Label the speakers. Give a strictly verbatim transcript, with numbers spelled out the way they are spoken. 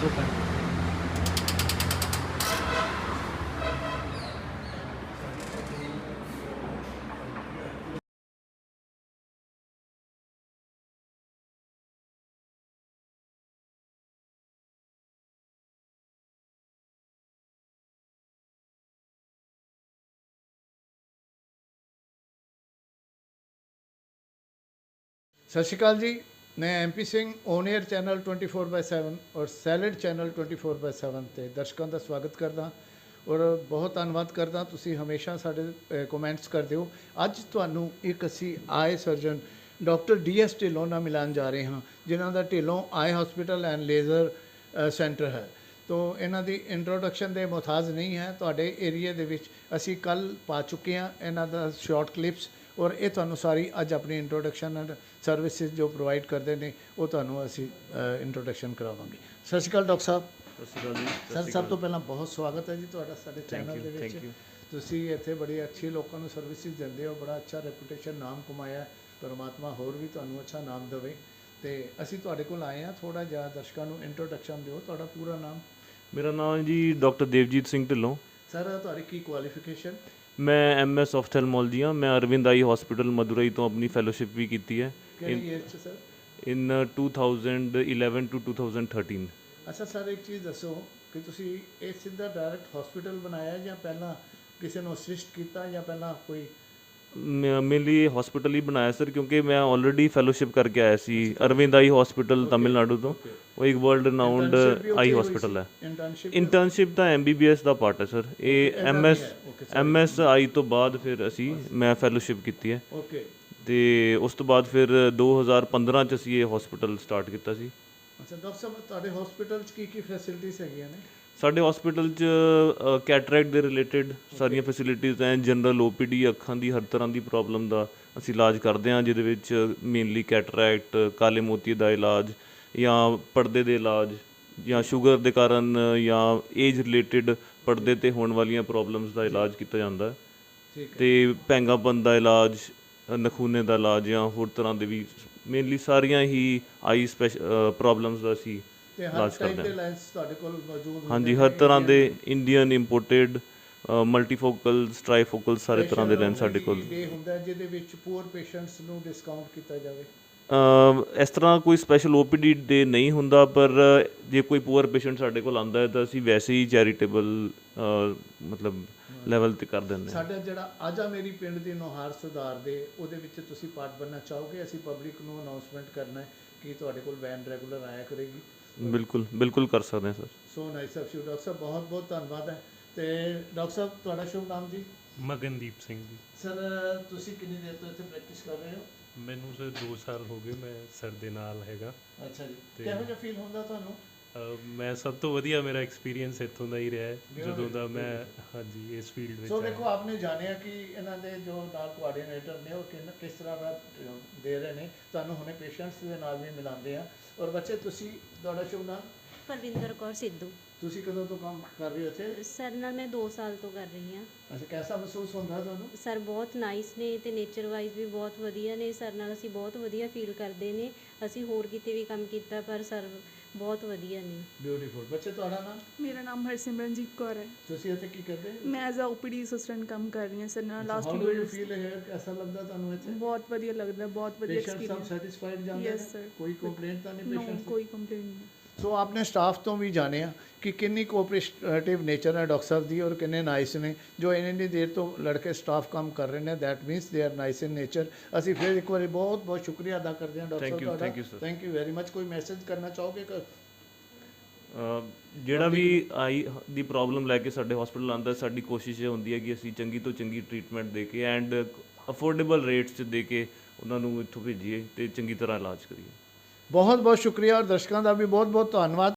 Speaker 1: ਪੈਂਦਾ।
Speaker 2: सत श्रीकाल जी, मैं M P Singh on air channel twenty four by seven और सैलड channel twenty four by seven ਤੇ ਦਰਸ਼ਕਾਂ ਦਾ ਸਵਾਗਤ ਕਰਦਾ ਔਰ ਬਹੁਤ ਧੰਨਵਾਦ ਕਰਦਾ ਤੁਸੀਂ ਹਮੇਸ਼ਾ ਸਾਡੇ ਕਮੈਂਟਸ ਕਰਦੇ ਹੋ। ਅੱਜ ਤੁਹਾਨੂੰ ਇੱਕ ਅਸੀਂ ਆਏ surgeon doctor D S Dhillon ਨਾਲ ਮਿਲਾਉਣ ਜਾ ਰਹੇ ਹਾਂ, ਜਿਨ੍ਹਾਂ ਦਾ Dhillon eye hospital and laser centre ਹੈ। ਤੋ ਇਹਨਾਂ ਦੀ ਇੰਟਰੋਡਕਸ਼ਨ ਦੇ ਮੁਹਤਾਜ ਨਹੀਂ ਹੈ। ਤੁਹਾਡੇ ਏਰੀਏ ਦੇ ਵਿੱਚ ਅਸੀਂ ਕੱਲ੍ਹ ਪਾ ਚੁੱਕੇ ਹਾਂ ਇਹਨਾਂ ਦਾ ਸ਼ਾਰਟ ਕਲਿੱਪਸ, ਔਰ ਇਹ ਤੁਹਾਨੂੰ ਸਾਰੀ ਅੱਜ ਆਪਣੀ ਇੰਟਰੋਡਕਸ਼ਨ ਐਂਡ ਸਰਵਿਸਿਜ਼ ਜੋ ਪ੍ਰੋਵਾਈਡ ਕਰਦੇ ਨੇ ਉਹ ਤੁਹਾਨੂੰ ਅਸੀਂ ਇੰਟਰੋਡਕਸ਼ਨ ਕਰਾਵਾਂਗੇ। ਸਤਿ ਸ਼੍ਰੀ ਅਕਾਲ ਡਾਕਟਰ ਸਾਹਿਬ।
Speaker 3: ਸਤਿ ਸ਼੍ਰੀ ਅਕਾਲ ਜੀ।
Speaker 2: ਸਰ, ਸਭ ਤੋਂ ਪਹਿਲਾਂ ਬਹੁਤ ਸਵਾਗਤ ਹੈ ਜੀ ਤੁਹਾਡਾ ਸਾਡੇ ਚੈਨਲ ਦੇ ਵਿੱਚ। ਤੁਸੀਂ ਇੱਥੇ ਬੜੀ ਅੱਛੀ ਲੋਕਾਂ ਨੂੰ ਸਰਵਿਸਿਜ਼ ਦਿੰਦੇ ਹੋ, ਬੜਾ ਅੱਛਾ ਰੈਪੂਟੇਸ਼ਨ ਨਾਮ ਕਮਾਇਆ। ਪਰਮਾਤਮਾ ਹੋਰ ਵੀ ਤੁਹਾਨੂੰ ਅੱਛਾ ਨਾਮ ਦੇਵੇ। ਅਤੇ ਅਸੀਂ ਤੁਹਾਡੇ ਕੋਲ ਆਏ ਹਾਂ, ਥੋੜ੍ਹਾ ਜਿਹਾ ਦਰਸ਼ਕਾਂ ਨੂੰ ਇੰਟਰੋਡਕਸ਼ਨ ਦਿਓ। ਤੁਹਾਡਾ ਪੂਰਾ ਨਾਮ?
Speaker 3: ਮੇਰਾ ਨਾਮ ਜੀ ਡਾਕਟਰ ਦੇਵਜੀਤ ਸਿੰਘ ਢਿੱਲੋਂ।
Speaker 2: ਸਰ, ਤੁਹਾਡੀ ਕੀ ਕੁਆਲੀਫਿਕੇਸ਼ਨ?
Speaker 3: ਮੈਂ ਐਮ ਐਸ ਆਫਥੈਲਮੋਲੋਜੀ ਹਾਂ। ਮੈਂ ਅਰਵਿੰਦ ਆਈ ਹਸਪੀਟਲ ਮਦੁਰਈ ਤੋਂ ਆਪਣੀ ਫੈਲੋਸ਼ਿਪ ਵੀ ਕੀਤੀ ਹੈ
Speaker 2: ਕਿਹੜੀ ਈਅਰ 'ਚ sir?
Speaker 3: In two thousand eleven to two thousand thirteen.
Speaker 2: ਅੱਛਾ ਸਰ, ਇੱਕ ਚੀਜ਼ ਦੱਸੋ ਕਿ ਤੁਸੀਂ ਇਹ ਸਿੱਧਾ ਡਾਇਰੈਕਟ ਹਸਪੀਟਲ ਬਣਾਇਆ ਜਾਂ ਪਹਿਲਾਂ ਕਿਸੇ ਨੂੰ ਅਸਿਸਟ ਕੀਤਾ ਜਾਂ ਪਹਿਲਾਂ ਕੋਈ?
Speaker 3: ਮੇਰੇ ਲਈ ਹਸਪੀਟਲ ਹੀ ਬਣਾਇਆ ਸਰ, ਕਿਉਂਕਿ ਮੈਂ ਆਲਰੇਡੀ ਫੈਲੋਸ਼ਿਪ ਕਰਕੇ ਆਇਆ ਸੀ ਅਰਵਿੰਦ ਆਈ ਹਸਪੀਟਲ ਤਮਿਲਨਾਡੂ ਤੋਂ। ਉਹ ਇੱਕ ਵਰਲਡ ਰਿਨਾਊਂਡ ਆਈ ਹਸਪੀਟਲ ਹੈ। ਇੰਟਰਨਸ਼ਿਪ ਤਾਂ ਐਮ ਬੀ ਬੀ ਐਸ ਦਾ ਪਾਰਟ ਹੈ ਸਰ। ਇਹ M S M S eye ਤੋਂ ਬਾਅਦ ਫਿਰ ਅਸੀਂ ਮੈਂ ਫੈਲੋਸ਼ਿਪ ਕੀਤੀ ਹੈ।
Speaker 2: ਓਕੇ।
Speaker 3: ਅਤੇ ਉਸ ਤੋਂ ਬਾਅਦ ਫਿਰ ਦੋ ਹਜ਼ਾਰ ਪੰਦਰਾਂ 'ਚ ਅਸੀਂ ਇਹ ਹਸਪੀਟਲ ਸਟਾਰਟ ਕੀਤਾ ਸੀ।
Speaker 2: ਅੱਛਾ ਡਾਕਟਰ ਸਾਹਿਬ, ਤੁਹਾਡੇ ਹਸਪੀਟਲ 'ਚ ਕੀ ਕੀ ਫੈਸਿਲਿਟੀਜ਼ ਹੈਗੀਆਂ ਨੇ?
Speaker 3: ਸਾਡੇ ਹਸਪੀਟਲ 'ਚ ਕੈਟਰੈਕਟ ਦੇ ਰਿਲੇਟਿਡ ਸਾਰੀਆਂ ਫੈਸਿਲਿਟੀਜ਼ ਹੈ। ਜਨਰਲ ਓ ਪੀ ਡੀ, ਅੱਖਾਂ ਦੀ ਹਰ ਤਰ੍ਹਾਂ ਦੀ ਪ੍ਰੋਬਲਮ ਦਾ ਅਸੀਂ ਇਲਾਜ ਕਰਦੇ ਹਾਂ, ਜਿਹਦੇ ਵਿੱਚ ਮੇਨਲੀ ਕੈਟਰੈਕਟ, ਕਾਲੇ ਮੋਤੀ ਦਾ ਇਲਾਜ ਜਾਂ ਪਰਦੇ ਦੇ ਇਲਾਜ ਜਾਂ ਸ਼ੂਗਰ ਦੇ ਕਾਰਨ ਜਾਂ ਏਜ ਰਿਲੇਟਿਡ ਪਰਦੇ 'ਤੇ ਹੋਣ ਵਾਲੀਆਂ ਪ੍ਰੋਬਲਮਸ ਦਾ ਇਲਾਜ ਕੀਤਾ ਜਾਂਦਾ ਹੈ। ਅਤੇ ਭੈਂਗਾਪਨ ਦਾ ਇਲਾਜ, ਨਖੂਨੇ ਦਾ ਇਲਾਜ ਜਾਂ ਹੋਰ ਤਰ੍ਹਾਂ ਦੇ ਵੀ ਮੇਨਲੀ ਸਾਰੀਆਂ ਹੀ ਆਈ ਸਪੈਸ਼ ਪ੍ਰੋਬਲਮਸ ਦਾ ਅਸੀਂ ਇਲਾਜ ਕਰਦੇ ਹਾਂ।
Speaker 2: ਤੁਹਾਡੇ ਕੋਲ ਮੌਜੂਦ?
Speaker 3: ਹਾਂਜੀ, ਹਰ ਤਰ੍ਹਾਂ ਦੇ ਇੰਡੀਅਨ ਇੰਪੋਰਟਡ ਮਲਟੀਫੋਕਲ, ਟ੍ਰਾਈਫੋਕਲ ਸਾਰੇ ਤਰ੍ਹਾਂ ਦੇ ਲੈਂਸ ਸਾਡੇ ਕੋਲ
Speaker 2: ਹੁੰਦਾ ਜਿਹਦੇ ਵਿੱਚ ਪੂਅਰ ਪੇਸ਼ੈਂਟਸ ਨੂੰ ਡਿਸਕਾਊਂਟ ਕੀਤਾ ਜਾਵੇ।
Speaker 3: ਇਸ ਤਰ੍ਹਾਂ ਕੋਈ ਸਪੈਸ਼ਲ ਓ ਪੀ ਡੀ ਡੇ ਨਹੀਂ ਹੁੰਦਾ, ਪਰ ਜੇ ਕੋਈ ਪੂਅਰ ਪੇਸ਼ੈਂਟ ਸਾਡੇ ਕੋਲ ਆਉਂਦਾ ਹੈ ਤਾਂ ਅਸੀਂ ਵੈਸੇ ਹੀ ਚੈਰੀਟੇਬਲ ਮਤਲਬ ਲੈਵਲ 'ਤੇ ਕਰ ਦਿੰਦੇ ਹਾਂ।
Speaker 2: ਸਾਡਾ ਜਿਹੜਾ ਅੱਜ ਆ ਮੇਰੀ ਪਿੰਡ ਦੀ ਨੁਹਾਰ ਸੁਧਾਰ ਦੇ ਉਹਦੇ ਵਿੱਚ ਤੁਸੀਂ ਪਾਰਟ ਬਣਨਾ ਚਾਹੋਗੇ? ਅਸੀਂ ਪਬਲਿਕ ਨੂੰ ਅਨਾਊਂਸਮੈਂਟ ਕਰਨਾ ਹੈ ਕਿ ਤੁਹਾਡੇ ਕੋਲ ਵੈਨ ਰੈਗੂਲਰ ਆਇਆ ਕਰੇਗੀ।
Speaker 3: ਬਿਲਕੁਲ ਬਿਲਕੁਲ ਕਰ ਸਕਦੇ ਹਾਂ sir.
Speaker 2: So nice of you doctor ਸਾਹਿਬ, ਬਹੁਤ ਬਹੁਤ ਧੰਨਵਾਦ ਹੈ। ਅਤੇ ਡਾਕਟਰ ਸਾਹਿਬ, ਤੁਹਾਡਾ ਸ਼ੁਭ ਨਾਮ ਜੀ?
Speaker 1: ਮਗਨਦੀਪ ਸਿੰਘ ਜੀ।
Speaker 2: ਸਰ, ਤੁਸੀਂ ਕਿੰਨੀ ਦੇਰ ਤੋਂ ਇੱਥੇ ਪ੍ਰੈਕਟਿਸ ਕਰ ਰਹੇ ਹੋ?
Speaker 1: ਮੈਨੂੰ ਸਰ ਦੋ ਸਾਲ ਹੋ ਗਏ ਮੈਂ ਸਰ ਦੇ ਨਾਲ ਹੈਗਾ।
Speaker 2: ਅੱਛਾ ਜੀ, ਕਿਹੋ ਜਿਹਾ ਫੀਲ ਹੁੰਦਾ ਤੁਹਾਨੂੰ?
Speaker 1: ਮੈਂ ਸਭ ਤੋਂ ਵਧੀਆ ਮੇਰਾ ਐਕਸਪੀਰੀਅੰਸ ਇੱਥੋਂ ਦਾ ਹੀ ਰਿਹਾ ਹੈ ਜਦੋਂ ਦਾ ਮੈਂ ਹਾਂਜੀ ਇਸ ਫੀਲਡ ਵਿੱਚ।
Speaker 2: ਸੋ ਦੇਖੋ, ਆਪਨੇ ਜਾਣਿਆ ਕਿ ਇਹਨਾਂ ਦੇ ਜੋ ਨਾਲ ਕੋਆਰਡੀਨੇਟਰ ਨੇ ਉਹ ਕਿੰਨਾ ਕਿਸ ਤਰ੍ਹਾਂ ਦਾ ਦੇ ਰਹੇ ਨੇ ਤੁਹਾਨੂੰ। ਹੁਣੇ ਪੇਸ਼ੈਂਟਸ ਦੇ ਨਾਲ ਵੀ ਮਿਲਾਉਂਦੇ ਆ। ਔਰ ਬੱਚੇ, ਤੁਸੀਂ, ਤੁਹਾਡਾ ਸ਼ੁਭ ਨਾਮ?
Speaker 4: ਪਰਵਿੰਦਰ ਕੌਰ ਸਿੱਧੂ।
Speaker 2: ਤੁਸੀਂ ਕਦੋਂ ਤੋਂ ਕੰਮ ਕਰ ਰਹੇ ਹੋ ਇੱਥੇ?
Speaker 4: ਸਰ ਨਾਲ ਮੈਂ ਦੋ ਸਾਲ ਤੋਂ ਕਰ ਰਹੀ ਹਾਂ।
Speaker 2: ਅੱਛਾ, ਕੈਸਾ ਮਹਿਸੂਸ ਹੁੰਦਾ ਤੁਹਾਨੂੰ?
Speaker 4: ਸਰ ਬਹੁਤ ਨਾਈਸ ਨੇ ਅਤੇ ਨੇਚਰ ਵਾਈਜ਼ ਵੀ ਬਹੁਤ ਵਧੀਆ ਨੇ। ਸਰ ਨਾਲ ਅਸੀਂ ਬਹੁਤ ਵਧੀਆ ਫੀਲ ਕਰਦੇ ਨੇ। ਅਸੀਂ ਹੋਰ ਕਿਤੇ ਵੀ ਕੰਮ ਕੀਤਾ ਪਰ ਸਰ ਬਹੁਤ ਵਧੀਆ ਨੇ।
Speaker 2: ਬਿਊਟੀਫੁਲ। ਬੱਚੇ, ਤੁਹਾਡਾ ਨਾਮ?
Speaker 5: ਮੇਰਾ ਨਾਮ ਹਰਸਿਮਰਨਜੀਤ ਕੌਰ ਹੈ।
Speaker 2: ਤੁਸੀਂ ਇੱਥੇ ਕੀ ਕਰਦੇ?
Speaker 5: ਮੈਂ as a O P D assistant ਕੰਮ ਕਰ ਰਹੀ ਹਾਂ ਸਰ ਨਾਲ last
Speaker 2: how
Speaker 5: two
Speaker 2: do you
Speaker 5: years.
Speaker 2: Feel ਹੈ? ਕੈਸਾ ਲੱਗਦਾ ਤੁਹਾਨੂੰ ਇੱਥੇ?
Speaker 5: ਬਹੁਤ ਵਧੀਆ ਲੱਗਦਾ, ਬਹੁਤ ਵਧੀਆ
Speaker 2: ਪੇਸ਼ੈਂਟ ਸਭ
Speaker 5: ਐਕਸਪੀਰੀਅੰਸ।
Speaker 2: ਸੈਟੀਸਫਾਈਡ ਜਾਂਦੇ
Speaker 5: Yes,
Speaker 2: ਨੇ?
Speaker 5: sir.
Speaker 2: ਕੋਈ ਕੰਪਲੇਂਟ ਤਾਂ ਨਹੀਂ
Speaker 5: ਨੋ,
Speaker 2: ਪੇਸ਼ੈਂਟ?
Speaker 5: ਕੋਈ ਕੰਪਲੇਂਟ ਨਹੀਂ।
Speaker 2: ਸੋ ਆਪਨੇ ਸਟਾਫ ਤੋਂ ਵੀ ਜਾਣਿਆ ਕਿ ਕਿੰਨੀ ਕੋਆਪਰੇਟਿਵ ਨੇਚਰ ਹੈ ਡਾਕਟਰ ਸਾਹਿਬ ਦੀ ਔਰ ਕਿੰਨੇ ਨਾਈਸ ਨੇ। ਜੋ ਇੰਨੀ ਦੇਰ ਤੋਂ ਲੜਕੇ ਸਟਾਫ ਕੰਮ ਕਰ ਰਹੇ ਨੇ, that means they are nice in nature. ਅਸੀਂ ਫਿਰ ਇੱਕ ਵਾਰੀ ਬਹੁਤ ਬਹੁਤ ਸ਼ੁਕਰੀਆ ਅਦਾ ਕਰਦੇ ਹਾਂ ਡਾਕਟਰ ਸਾਹਿਬ ਤੁਹਾਡਾ।
Speaker 3: Thank you sir.
Speaker 2: Thank you very much. ਕੋਈ ਮੈਸੇਜ ਕਰਨਾ ਚਾਹੋਗੇ?
Speaker 3: ਜਿਹੜਾ ਵੀ ਆਈ ਦੀ ਪ੍ਰੋਬਲਮ ਲੈ ਕੇ ਸਾਡੇ ਹਸਪੀਟਲ ਆਉਂਦਾ, ਸਾਡੀ ਕੋਸ਼ਿਸ਼ ਇਹ ਹੁੰਦੀ ਹੈ ਕਿ ਅਸੀਂ ਚੰਗੀ ਤੋਂ ਚੰਗੀ ਟਰੀਟਮੈਂਟ ਦੇ ਕੇ ਐਂਡ ਅਫੋਰਡੇਬਲ ਰੇਟਸ 'ਚ ਦੇ ਕੇ ਉਹਨਾਂ ਨੂੰ ਇੱਥੋਂ ਭੇਜੀਏ ਅਤੇ ਚੰਗੀ ਤਰ੍ਹਾਂ ਇਲਾਜ ਕਰੀਏ।
Speaker 2: ਬਹੁਤ ਬਹੁਤ ਸ਼ੁਕਰੀਆ ਔਰ ਦਰਸ਼ਕਾਂ ਦਾ ਵੀ ਬਹੁਤ ਬਹੁਤ ਧੰਨਵਾਦ।